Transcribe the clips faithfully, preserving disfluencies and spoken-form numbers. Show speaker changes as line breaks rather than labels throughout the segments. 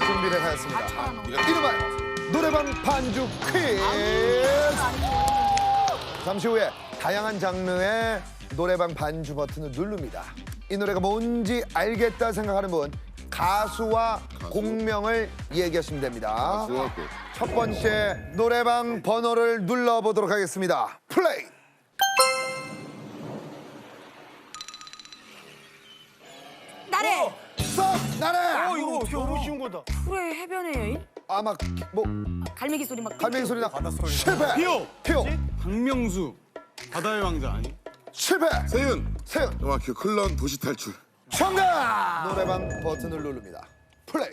준비를 하였습니다. 이름하여 노래방 반주 퀴즈. 잠시 후에 다양한 장르의 노래방 반주 버튼을 누릅니다. 이 노래가 뭔지 알겠다 생각하는 분 가수와 가수? 곡명을 얘기하시면 됩니다.
가수와 곡.
첫 번째 노래방 번호를 눌러보도록 하겠습니다. 플레이!
나래!
스톱! 나래!
어, 이거 너무 쉬운 거다.
그래 해변의 여인?
아, 막, 뭐,
갈매기 소리 막
갈매기 소리 나.
바다 소리.
실패!
피오!
피오!
박명수. 바다의 왕자 아니?
실패!
세윤.
세윤!
정확히 클런 도시 탈출.
정답! 노래방 버튼을 누릅니다. 플레이!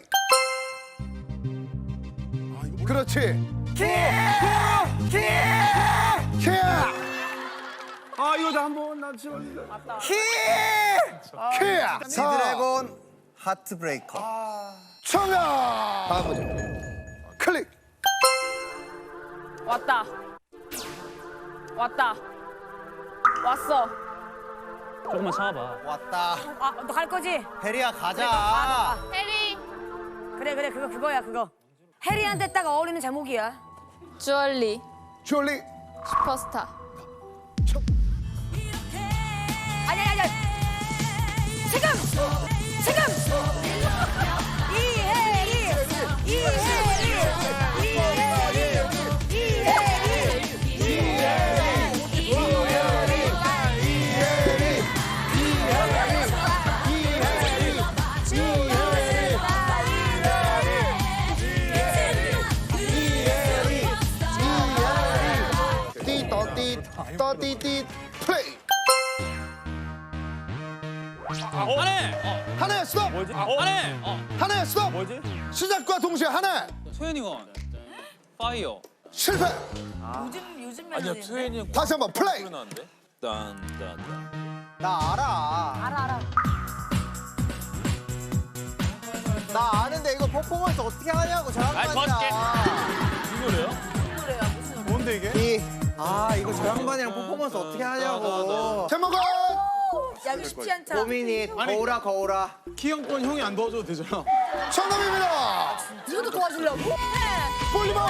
그렇지!
키! 키!
키!
아 이거 나 한번 나 지금.
키! 키!
지드래곤 하트브레이커.
정답! 다음 문제. 클릭!
왔다. 왔다. 왔어.
조금만 참아봐.
왔다.
아, 너 갈 거지?
해리야 가자.
해리. 그래 그래 그거 그거야 그거. 해리한테 딱 어울리는 제목이야.
주얼리
졸리!
슈퍼스타.
아니 아니 아니. 지금 지금. 이해리 이해리 이해리
떠띠띠 플레이!
하네.
하나 스톱!
뭐지? 하네.
하나 스톱!
뭐지?
시작과 동시에 하나!
소연이건 파이어.
실패!
요즘 요즘 멜로디.
소연이
다시 한번 플레이!
나는데. 딴딴.
나 알아.
알아 알아.
나 아는데 이거 퍼포먼스 어떻게 하냐고
아이,
저양반이야.
이 노래요?
노래야 무슨.
뭔데 이게?
이, 아 이거 저양반이랑 퍼포먼스 어떻게 하냐고.
제목은
야 이거 쉽지 않다.
고민이 거울아 거울아.
키형권 형이 안 도와줘도 되잖아.
정답입니다!
이것도 도와주려고?
볼리버!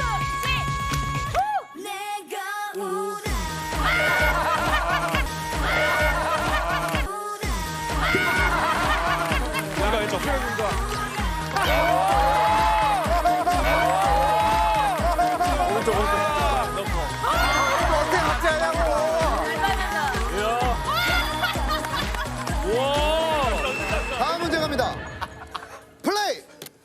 내가 이쪽 소연이가. 오른쪽 오른쪽.
어떻게 같이 하냐고.
우와.
다음 문제 갑니다. 플레이!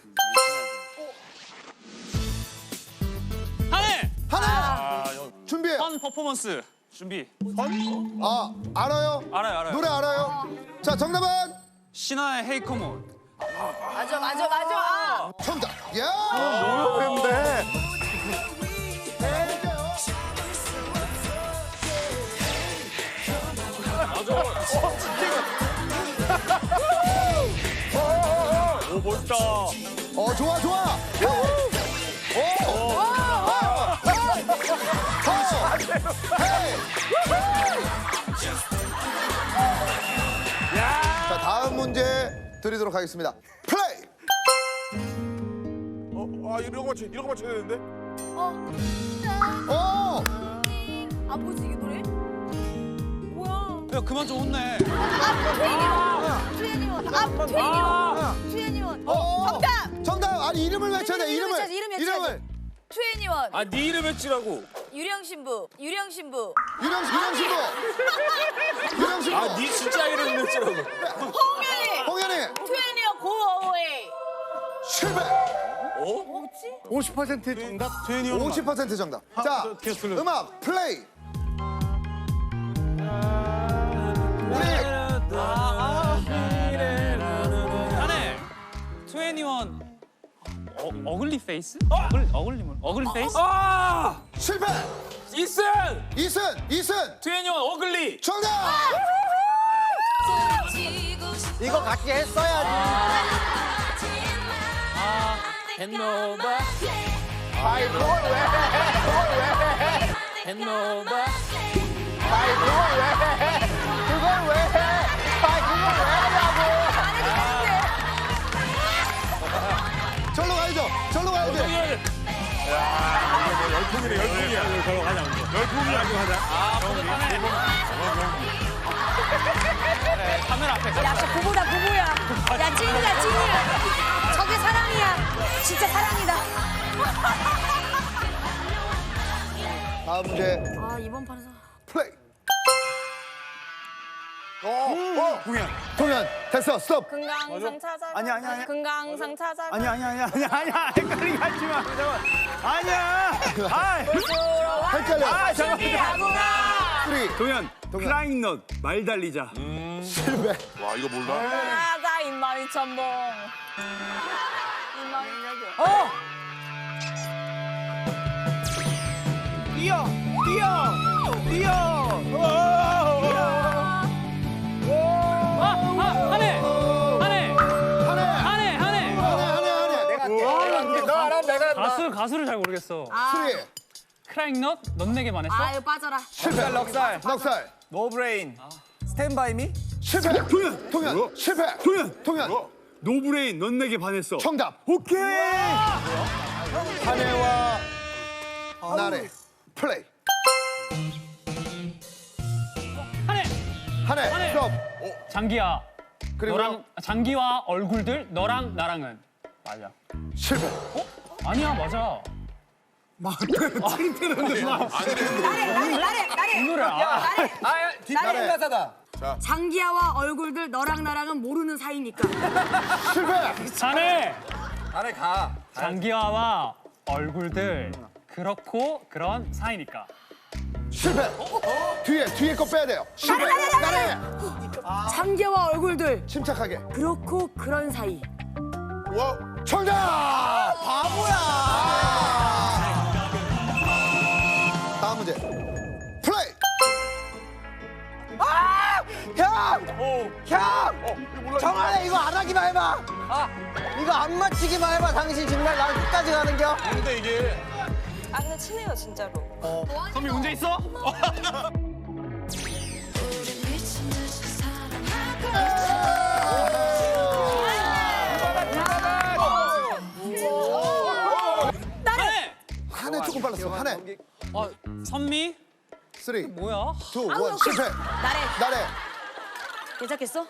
하네.
하나! 준비해!
펀 퍼포먼스 준비.
아, 알아요?
알아요 알아요.
노래 알아요? 자, 정답은?
신화의 헤이 컴온.
맞아 맞아 맞아. 아.
정답! 야!
근데
오 멋있다.
어, 좋아, 좋아! 오! 오! 오! 헤이! 자, 다음 문제 드리도록 하겠습니다. 플레이!
어, 아 이런 거 맞춰, 이런 거 맞춰야 되는데.
오!
아 뭐지 이게 노래? 뭐야?
야 그만 좀 혼내.
아 트웬티원. 아 트웬티원. 트웬티원.
어!
정답.
정답! 아니, 이름을 외쳐야 돼,
이름
이름을!
외쳐야지, 이름 외쳐야지. 트웬티원.
아 네 이름 외치라고.
유령 신부. 유령 신부.
유령, 유령 신부! 유령 신부!
아 네 진짜 이름 외치라고.
홍현이.
홍현이!
트웬티원 고어웨이.
실패!
뭐지?
오십 퍼센트 정답. 최현이 형.
오십 퍼센트 정답. 자,
저 계속 틀려.
음악 플레이! 우리
하네. 트웬티원. 어 어글리 페이스? 어글 어글리 뭐? 어글리 페이스? 아!
실패!
이슨!
이승! 이승!
트웬티원 어글리.
정답!
이거 같이 했어야지.
헨노바
아이 그걸 왜 해? 그걸 왜 해?
헨노바
아이 그걸 왜 해? 그걸 왜 해? 아이 그걸 왜 하냐고.
열풍이네 열풍이야.
저거 가자 먼저.
열풍이야.
가자.
아, 뿌듯하네. 그래, 카메라 앞에
야, 저 부부다, 부부야. 야, 찐이다, 찐이야. 저게 사랑이야. 진짜 사랑이다.
다음 문제
아, 이번 판에서.
플레이.
어, 어.
공연.
동현 됐어 스톱.
금강산 찾아.
아니야, 아니야, 아니야.
금강산 찾아.
아니야 아니야 아니야 아니야 아니야 헷갈리게 하지 마. 잠깐. 아니야. 아.
헷갈려.
아 잠깐.
쓰리
동현.
동현.
플라잉 넛 말 달리자.
실패.
와 이거 몰라.
하자 입마이 첨봉. 입마이
어. 뛰어 뛰어 뛰어.
아, 아, 하네. 하네.
하네
하네, 하네.
하네 하네 하네.
너 알아 내가 알아.
가수 가수를 잘 모르겠어.
쓰리
크라잉넛 넌 내게 반했어?
아유, 빠져라.
실패.
넉살.
넉살
노브레인. 스탠바이 미.
실패.
동현.
동현 실패.
동현.
동현
노브레인 넌 내게 반했어.
정답.
오케이.
한혜와 나래 플레이.
하네.
한혜
한혜.
스톱.
장기야.
그리고
너랑 장기와 얼굴들 너랑 나랑은 맞아.
실패.
아니야, 맞아.
틴트는데 막.
나래, 나래, 나래, 나래.
이 노래 알아.
나래.
아 뒷다리 가사다.
장기야와 얼굴들 너랑 나랑은 모르는 사이니까.
실패.
하네.
안에 가.
장기화와 얼굴들 그렇고 그런 사이니까.
실패. 뒤에 뒤에 거 빼야 돼요. 실패.
나래, 나래, 나래.
나래.
장기야와 얼굴들
침착하게.
그렇고 그런 사이.
와.
정답. 바보야. 다음 문제. 플레이.
형! 형! 정한아 이거 안 하기만 해봐. 아 이거 안 맞히기만 해봐. 당신 정말 나 끝까지 가는겨.
근데 이게
아 근데 친해요 진짜로.
선미 문제 있어? 하네.
한해 조금 빨랐어. 한해.
어, 선미?
쓰리,
뭐야?
투,
아우,
원.
오케이.
실패.
나래.
나래.
괜찮겠어?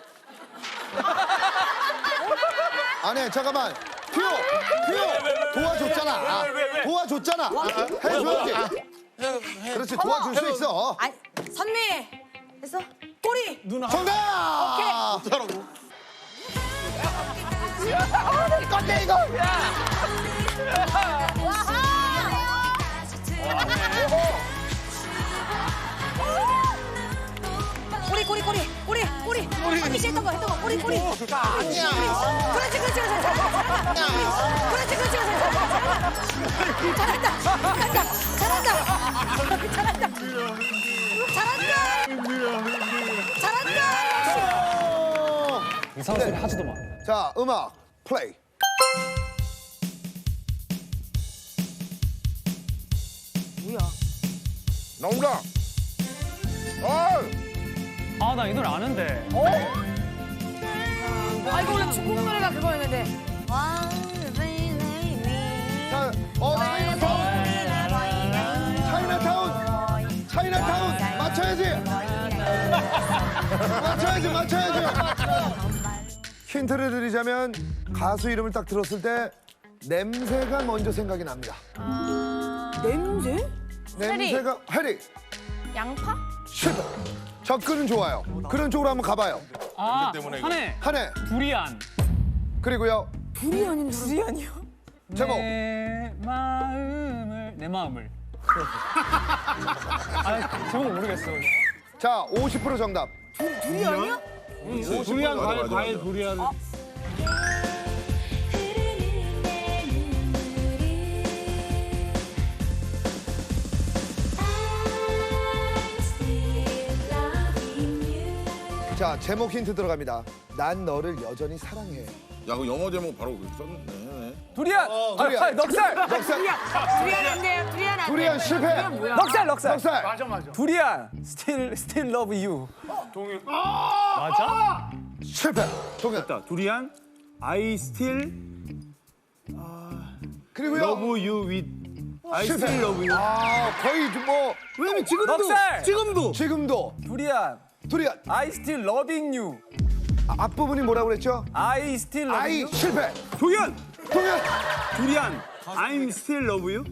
아니 잠깐만. 퓨, 퓨. 도와줬잖아. 아, 도와줬잖아. 해줘야지. 그렇지 도와줄 수 있어.
아니, 선미. 됐어? 꼬리.
정답.
잘하고.
건데 이거.
꼬리, 꼬리, 꼬리. 꼬리, 꼬리. 언니 씨 했던 거, 했던 거. 꼬리, 꼬리.
아니야.
그렇지, 그렇지, 그렇지. 잘한다. 그렇지, 그렇지, 그렇지. 잘한다. 잘한다. 잘한다. 잘한다. 잘한다. 잘한다.
이상한 소리 하지도 마.
자 음악 플레이.
뭐야?
나온다. 아.
아, 나 이 노래 아는데.
아, 이거 원래 중국 노래가 그거였는데.
자, 어 차이나타운. 차이나타운. 차이나타운. 맞춰야지. 맞춰야지. 맞춰야지. 힌트를 드리자면 가수 이름을 딱 들었을 때 냄새가 먼저 생각이 납니다.
냄새?
냄새가 해리.
양파?
실패. 접근은 좋아요. 그런 쪽으로 한번 가봐요.
아,
때문에 이거.
하네.
한해.
두리안.
그리고요.
두리안인 줄. 두리안이요?
제목.
내 마음을 내 마음을. 아, 제목 모르겠어.
자, 오십 퍼센트 정답.
두리안이야?
두리안
맞아,
과일
맞아,
과일
맞아.
두리안.
자, 제목 힌트 들어갑니다. 난 너를 여전히 사랑해.
야, 그 영어 제목 바로 그렇게 썼네.
두리안.
두리안.
아, 넉살.
넉살.
두리안 안 돼요. 두리안 안 돼.
두리안 실패.
두리안 뭐야?
넉살 넉살.
넉살.
맞아 맞아.
두리안. Still Still Love You.
맞아?
실패. 동현.
됐다. 두리안. I still
그리고요.
love you with I still love you.
아, 거의 좀 뭐. 왜냐면 지금도.
넉살! 지금도.
지금도.
두리안.
두리안.
I still loving you.
아, 앞부분이 뭐라고 그랬죠?
I still love
아이,
you.
실패.
동현.
동현.
두리안. I'm still love you.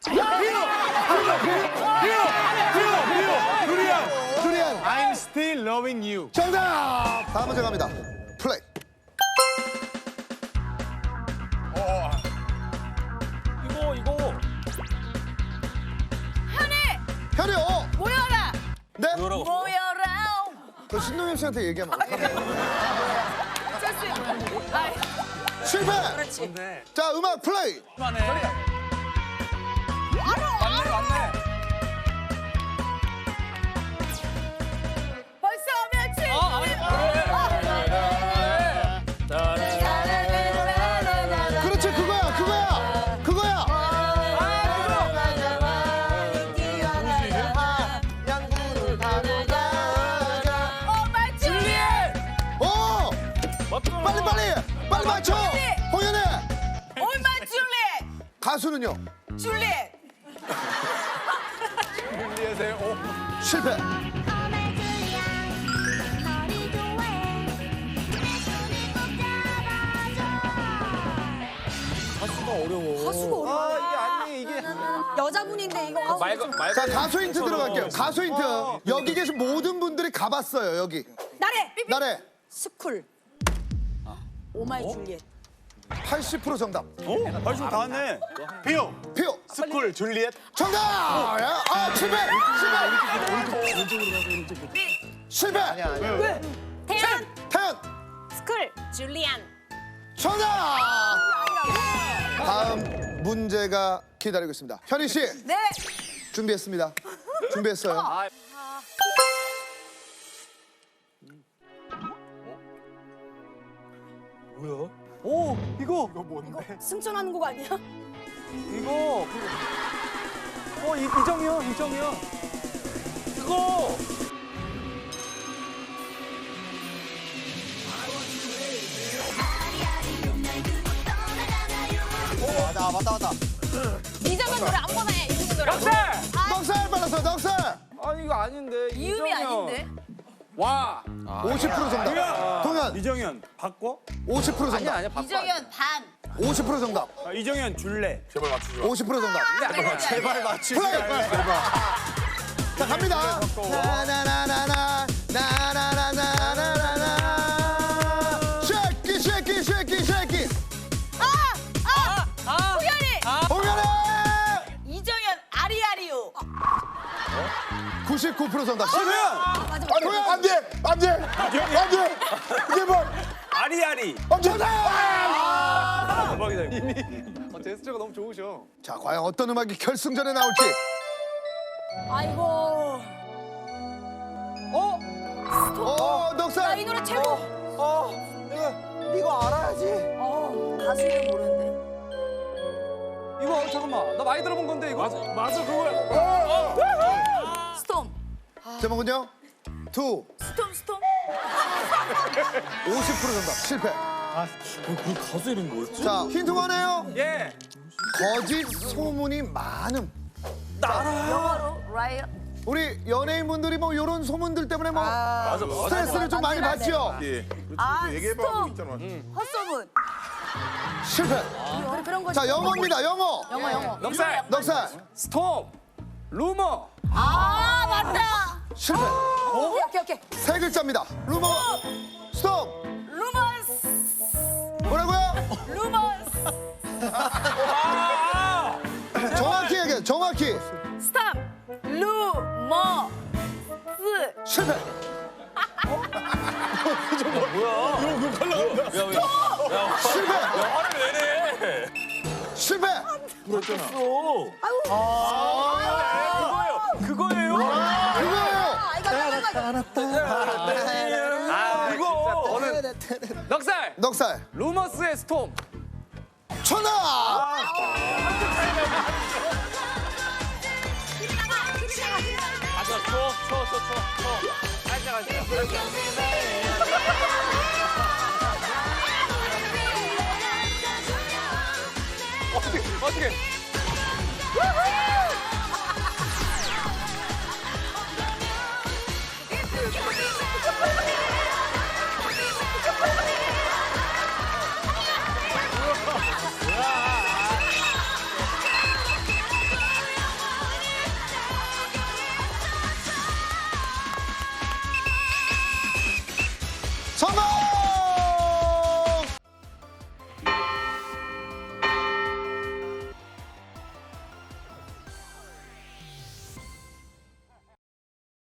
두리안.
I'm still loving you.
정답! 다음 문제 갑니다. 플레이.
이거 이거
현이 어.
모여라.
네?
모여라.
그 신동엽 씨한테 얘기하면 어떡합니까?
실수. 아이,
실패!
그렇지.
자, 음악 플레이.
만에
알아.
맞네 맞네.
벌써 며칠.
어, 아니,
그렇지, 그거야, 그거야. 그거야.
양구를 타고 가자.
어, 맞지?
어! 빨리, 빨리! 빨리 맞춰! 홍현애!
얼마 줄리?
가수는요?
줄리.
실패.
가수가 어려워.
아 이게 아니 이게.
여자분인데 이거.
자, 가수 힌트 들어갈게요. 가수 힌트. 여기 계신 모든 분들이 가봤어요, 여기.
나래.
나래.
스쿨. 오마이 줄리엣.
팔십 퍼센트 정답.
어? 벌써 다 왔네. 비오.
피오.
스쿨 줄리엣.
정답! 아, 실패! 실패! 실패!
왜?
태연.
태연!
스쿨. 줄리안.
정답! 다음 문제가 기다리고 있습니다. 현희 씨.
네.
준비했습니다. 준비했어요.
뭐야? 오 이거. 이거
이거 승천하는 곡 아니야?
이거. 어 이, 이정현 이정현.
그거
맞다 맞다 맞다.
이정은 노래 아무거나 해. 이정은 노래.
넉살
넉살 빨랐어, 넉살!
아니 이거 아닌데.
이음이
이정현.
아닌데.
와.
오십 퍼센트 정답. 동현,
이정현 바꿔?
오십 퍼센트 정답.
아니야 바꿔.
이정현 반.
오십 퍼센트 정답.
아, 이정현 줄래.
제발 맞추지 마.
오십 퍼센트 정답.
제발 맞추지
플레이!
말고.
자, 갑니다. 나나나나나, 나나나나나나나. 쉐키, 쉐키, 쉐키, 쉐키.
호연이.
홍현애!
이정현 아리아리오.
구십구 퍼센트 정답. 실패!
그러면
맞아.
아니, 안 돼! 안 돼! 안 돼! 제발!
아리아리.
어, 정답!
대박이다 이거. 어, 제스처가 너무 좋으셔.
자, 과연 어떤 음악이 결승전에 나올지.
아이고.
어?
어,
나
넉살!
이 노래 제목.
어 이거 이거 알아야지.
어, 가수 이름 모르는데.
이거 잠깐만 나 많이 들어본 건데 이거. 맞아 맞아 그거야.
스톰.
제목은요? 투.
스톰 스톰.
오십 퍼센트 정답. 실패.
그 가수 이름 뭐였지?
자, 힌트 원해요?
예.
거짓 소문이 많음.
영어로 라이어.
우리 연예인분들이 뭐 이런 소문들 때문에 뭐 스트레스를 좀 많이 받죠?
예. 그렇지.
아,
얘기해봐.
스톱.
있잖아.
헛소문.
실패.
그런 그런 거.
자, 영어입니다. 영어.
영어 영어.
넉살.
넉살.
스톱. 루머.
아 맞다.
실패.
오케이 오케이 오케이.
세 글자입니다. 루머. 스톱.
루머스.
뭐라고요?
루머스.
정확히 얘기해. 정확히.
스탑. 루머스.
실패. 실패.
화를 왜 내?
실패.
그거예요. 그거예요.
그거예요.
아 이거 잠깐만.
아 이거. 저는 넉살.
넉살.
루머스의 스톰.
천하.
맞아 쳐쳐쳐쳐 살짝 하시죠.
어떻게 어떻게?